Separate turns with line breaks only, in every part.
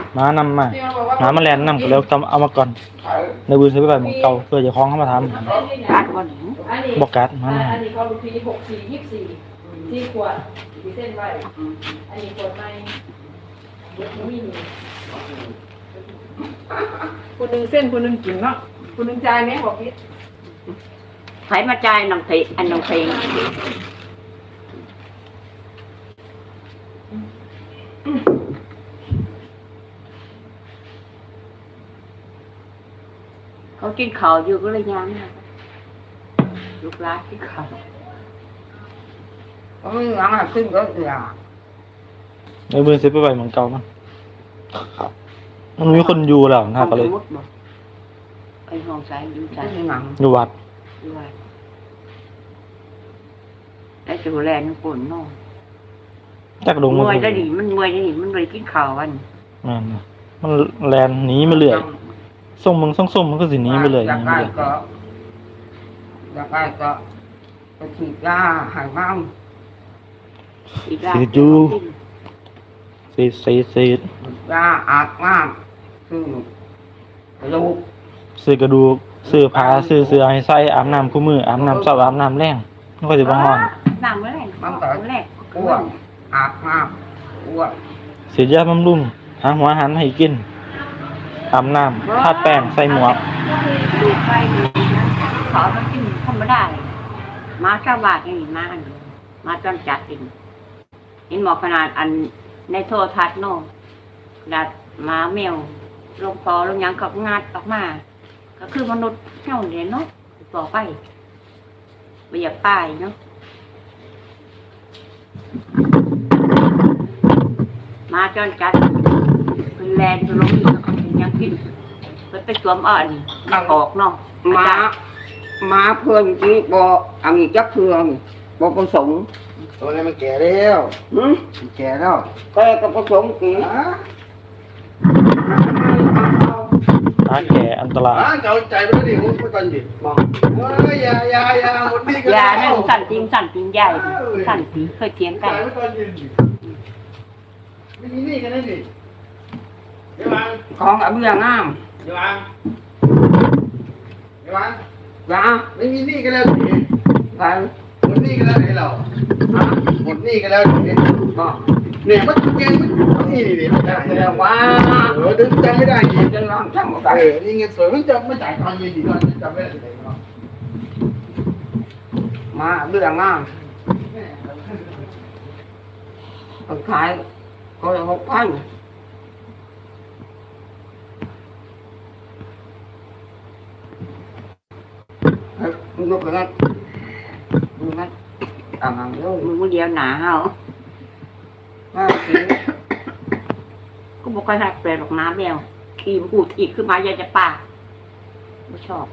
มานำมาหมามาแลนนำก็แล้วเอามาก่อนในบืนซื้อไปหมองเก่าเพื่อจะคล้องเข้ามาทำ
กัดบ่หนู
บอกกัดมัน
อันนี้เขาลูกพี64 4 ขวดมีเส้นไว้อันนี้ขวดไม่มีคนหนึ่งเส้นคนหนึ่งกินเนาะคนหนึ่งจ่ายไหมบอกพี่
ไผมาจ่ายน้องเพลอันน้องเพลงเขากินข้าวอยู่ก็เลยย้ำนะลูกหลานกินข้าว
ก็ไม่งั้นขึ้นก็เสีย
ในบืนซื้อไปหมองเก่ามันมีคนอยู่แล้วนะก็เลย
ไอ้ห้องใส่อยู่ใส่
อยู่วัด
ด้วยแล้วจูแลนปุ่นน้อง
จักลง
มวยได้ดิมันมวยได้ดิมันเลยกินข้าววัน
มันแลนหนีมาเรื่อยส่งมึงส่งมันก็สิหนีไปเลย
อยากได้ก็ไปฉีดยาหายบ้าง
สีจูสี
ยาอาบน้ำคือกระดูก
ซื้อกระดูกซื้อผ้าซื้อเสื้อให้ใส่อาบน้ำคู่มืออาบน้ำเช้าอาบน้ำแรงมันก็จะบ่ฮ้อน
น้ำเมื่อไหร่
มันก็อ้วนอาบน้ำอ้วน
เสียยาบำรุงหาหัวอาหารให้กินอาบน้ำทาแป้งใส่หมวก
ดูไปดูนะขอมันกินธรรมดามาชาวบ้านนี่มาจนจัดกินเห็นหมอขนาดอันในโทรทัศน์โน่ดัดมาแมวลงพอลงยังกับงาดออกมาก็คือมนุษย์เท่านี้เนาะต่อไปไม่อยากตายเนาะมาจนจัดเป็นแลนด์ลงอีกก็ยังกินไปสวมอ่อนมาออกเนาะ
มาเพื่อนที่บอกอันนี้จักเพื่อนบอกประสงค์
ตัวนี้มันแก่แล้วแก่แล้ว
แกกับประสงค์กี่
แก่อันตราย
เอาใจไปดิมุดไปตอนดิมองยาหมดนี่ก็
ยานั่นสั่นจริงใหญ่สั่นผีเคยเถียงกัน
ไม่มีนี่กันนั่นดิ
ของอะไรอย่างงาม
อย่าวาง
ยา
ไม่มีนี่กันแล้วดิ
ไป
หมดนี่กันแล้วดิเราหมดนี่กันแล้วดิ
ก็
เนี่ยมันเก่งมันนี่ไม่ได้
แต่ว่า
ดึงจำไม่ได้อีก
จะลองจำไม่ได้
นี่เงินสวยมันจำไม่จ่ายทางเงินดีกว่าจำไม่ได้เลย
มาเรื่องงามขายก็6,000ลูกนั้น
มึงเดียวหนาเฮาก็บอกว่าแปลหรอกน้ำแล้วขี่พูดอีกขึ้นมาอยากจะปากไม่ชอบ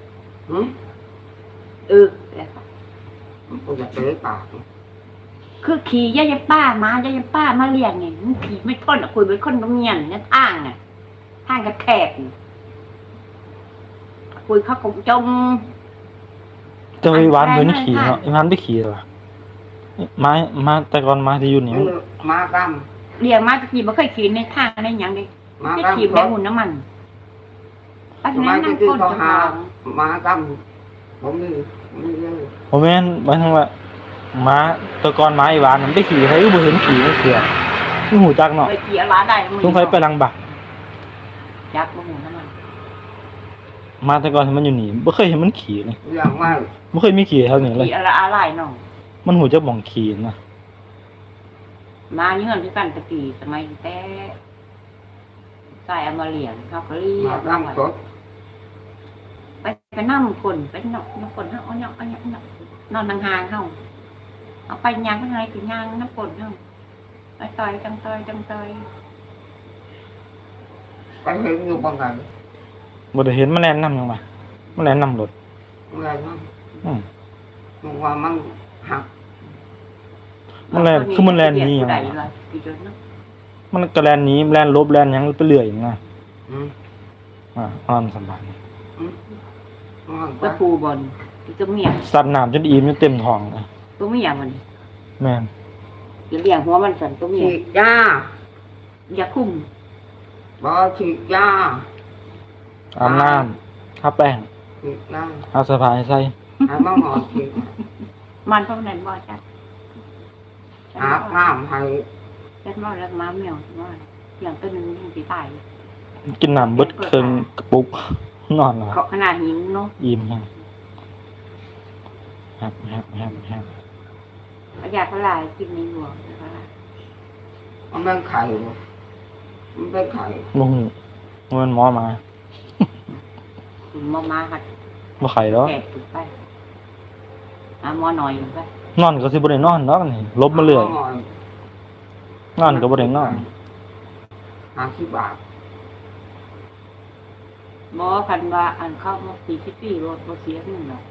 แล้ว
ก็จะเจอปาก
คือขี่ยายป้ามามาเลี้ยงไงมันขี่ไม่ทนคุยเป็นคนตรงเงียนเนี่ยทางกระแทกคุยเขาคงจม
จะไปวานเหมือนขี่เนาะอีวันไปขี่หรอมาแต่ก่อนมาที่อยู่นี่
มาก
ำเลี้ยงมาตะกี้ไม่เคยขี่ในทางในอย่างเลยไม่ขี่ในหุ่นน้ำมัน
ปัจจุบันนั่งคนจะมากำ
ผมแม่นหมายถึงว่าม้าตะกอนม้าอีวานมันไปขี่ให้บ่เห็นขี่มันเสือนี่หูจักเนาะ
ไปขี่อะไรได้
ต้องไปลังบัก
จักบ่หูน้ำมัน
มาตะกอนมันอยู่นี่บ่เคยเห็นมันขี่เลย
อย่างว่า
บ่เคยมีขี่เท่านี้เลย
ขี่อะไรเนาะ
มันหูจักบ่งขี่นะ
มาเงื่อนที่กันตะกี้สมัยแต่ใส่เอามาเลี้ยงเขาก็เลี้ยงไปนั่งคนไปนอนคนเขาเอานอนห่างๆเขาเอาไปย่างข้างในถึงย่างน้ำคนเขาไปต่อยจัง
ไปเห็นอยู่บางไง
บ่ได้เห็นแมลงนำยังไงแมลงนำรถ
แมลงมันว่ามันหัก
แมลงคือมันแลนนี้มันกระแลนนี้แลนลบแลนยังไปเรื่อยนะอ่อนสบาย
ก็ปูบอลตัวเมีย
สัตว์น้ำจนอิ่มจนเต็มท้องเลย
ตัวเมียมัน
แม่น
เลี้ยงหัวมันสั่นตัวเมีย
ยา
คุ้ม
บ่ฉีดยา
อาบน้ำทาแป้ง
ฉีดยา
เอาเสื้อผ้าให้ใส่
ให้มาหอฉีด
มันเท่านั้นบ่จ้ะ
อาบน้ำให้
เล็ดมาแล้วม้าเหมียวว่าอย่างตัวหนึงยังสิตาย
กินน้ำเบิดเครื่องกระปุกนอนแล้ว
เขาขนาดหิวเนาะ
อิ่มแฮงแฮบ
ประหยัดเท่าไหร่กินในหลวงนะคะ
มันเป็นไข่มันเป็นไข่
บ่ฮู้ว่ามันหมอมา
มาค่ะ
บ่ไข้ดอก
แก่ถูกไปหมอหน่อยถูกไป
นอนก็สิบ่ได้นอนดอกนี่ลบมาเรื่อยนอนก็บ่ได้นอน
50 บาท
หมอคันว่าอันเข้ามา40 ปีรถบ่เสียเงินดอก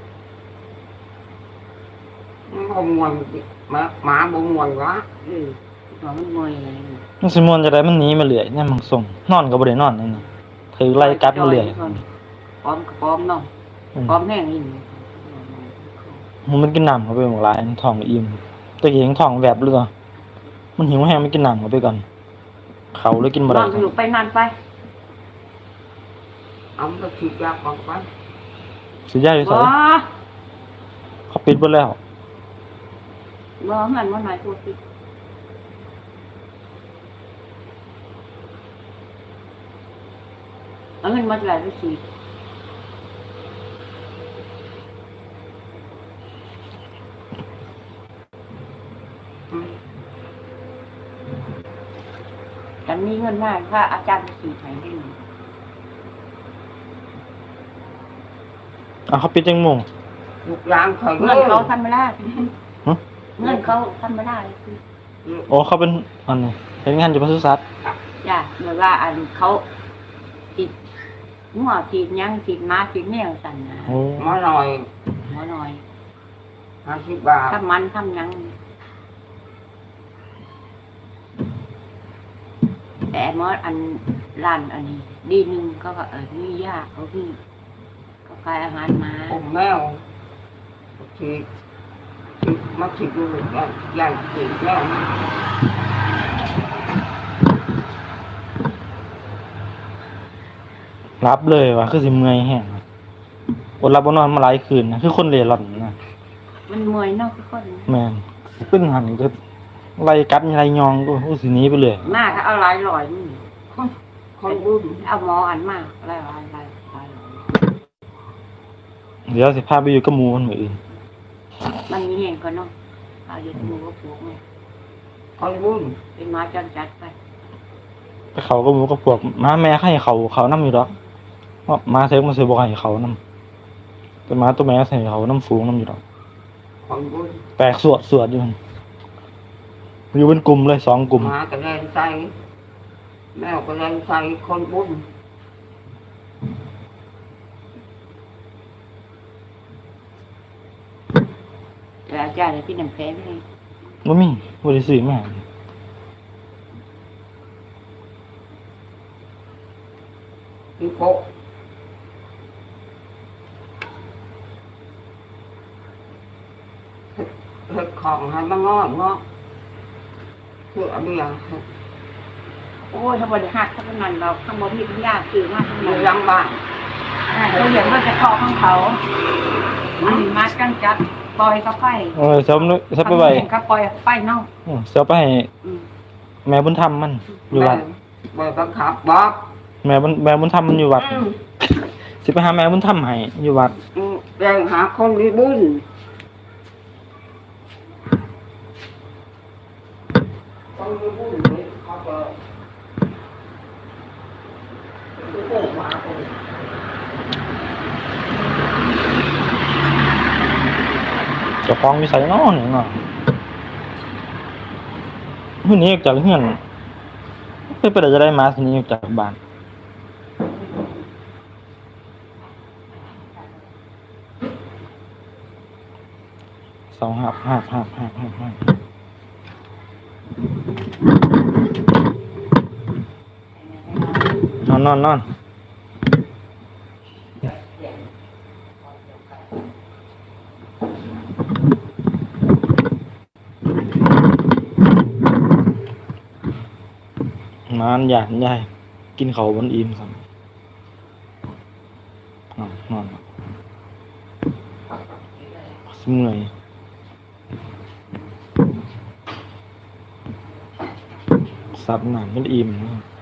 มันบ่ม่วนหมาบ่ม่วนวะ
ว่ามันงวยอะไรนี่
มันสิม่วนจะได้มันหนีมาเรื่อยเนี่ยมันส่งนอนก็บ่ได้นอนนี่นี่ถือไล่กัดมาเรื่อย
พร้อมกับพร้อมเนาะพร้อมแห้งนี่
มันกินน้ำเข้าไปหมดหลายอันท้องอิ่มตะกี้ยังท้องแวบเลยมันหิวแฮงมันกินน้ำเข้าไปก่อนเขาเลยกินบ่
น
ได้
อนอยู่ไปนานไป
เอาไปฉีดยาก่อนไป
สิย้ายอยู่ไส
บ่
เขาปิดเบิดแล้ว
บ่มันว่าน้อยตัวสิเอาเงินมาจ่ายไปสิ ฉันมีเงินมากถ้าอาจารย์สี่ไหนได้หนึ่ง
เขาปิดจังโมง
ลูกหลานข่อย
เงินเขาทำไม่ได้
ฮะ
เงินเขาทำไม่ได้คือ
โอ้เขาเป็นอันนี้เฮ็ดงานอยู่ปศุสัตว์
จ้ะเมื่อว่าอันเขาติดหัวติดยังติดม้าติดแมวสั่นนะ
โอ้
มาหน่อย
หมอหน่อย
50 บาท
ทำมันทำยัง แต่หมออันร้านอันนี้ ดีหนึ่งก็มียาเขาพี่ก็ขายอาหารมา
ผมแมวฉีดมาฉีดดูยาฉีดแล้ว
รับเลยว่ะคือสิเมื่อยแฮงอดหลับบ่นอนมาหลายคืนนะคือคนเร่ร่อนนะ
มันมวยเนอกทุกคน
แม่นเป็นหันก็ไล่กัดไล่ยองก็สิหนีไปเลย
มากเอาหลายร้อยนี่
คนบุญ
เอาหมออันมากหลายร้อยหลายร้อย
เดี๋ยวสิพาไปอยู่กับหมู่คนมื้ออื่น
มันมีเห็นก็เนาะเอาอยู่ที่หมูก็ปลูกไง
คนบุญ
เป็นหมาจังจัดไป
ไปเขากับหมู่กับพวกม้าแม่ให้เขานำอยู่ดอกว่าม้าเซกมันสิบ่ให้เขานำแต่ม้าตัวแม่ใส่เขานำฝูงนำอยู่ดอก
คนบุญ
แตกสวดอยู่หั่นอยู่เป็นกลุ่มเลย2กลุ่ม
หมากระเด็นใส่แมวกระเด็นใส่คนบุญ
แต่อาจารย์เลยพี่น้ำแพ้ไม่เลย
บ่มีบ่ได้ซื้อมา
พี่โปะเห็ดของให้มางอกเนาะเพื่อเบี้ย
โอ้ยถ้าบริหักถ้าเป็นนั่นเราข้างบนมีปัญญาซื้อมากทั้ง
อ
นั้
ยู่
น
หลังบ้าน
เขาเห็นว่าจะคอของเขาอันนี้มาจังจัดปล่อยเขาไป
ซับไปไว้
เขาปล่อยไปเนาะ
เสียไปให้แม่บุญธรรมมันอยู่วัด
แม่บังคับบอก
แม่บุญธรรมมันอยู่วัดสิไปหาแม่บุญธรรมให้อยู่วัด
แรงหาคนมีบุญคนมีบุญนี่เขาก็โอ้มาคน
เจ้าของมีใส่น้อหนึ่งเนาะมื้อนี้ออกจากเฮือนไปได้จะได้มาทีนี้ออกจากบ้านสองหับนอนนานหยาดใหญ่กินเขาวมันอิ่มสั่นนอนสเมื่อยสับหนานมันอิ่ม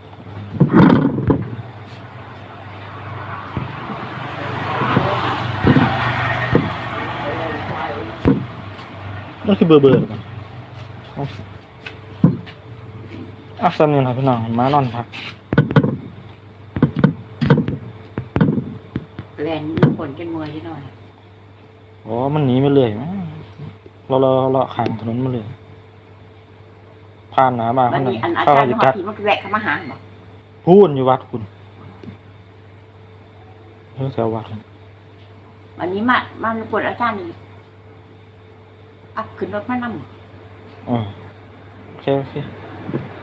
มันคือเบื่อๆกันสันนี่นะพี่น้องมานอนพัก
แลนฝนจนเมื่อยที่นอน
อ๋อมันหนีไปเลยมั้ยเราข้างถนนมาเลยผ่านหน้าบ้าน
วัน
นั้น
นี้อันอา
เข้า
จารย์
จะ
หอ
กัด
ผีมันแวะเข้ามาหาบอก
พูนอยู่วัดคุณแถววัด
วันนี้มาปวดอาจารย์นี่ขึ้นรถมานั่ง
โอเค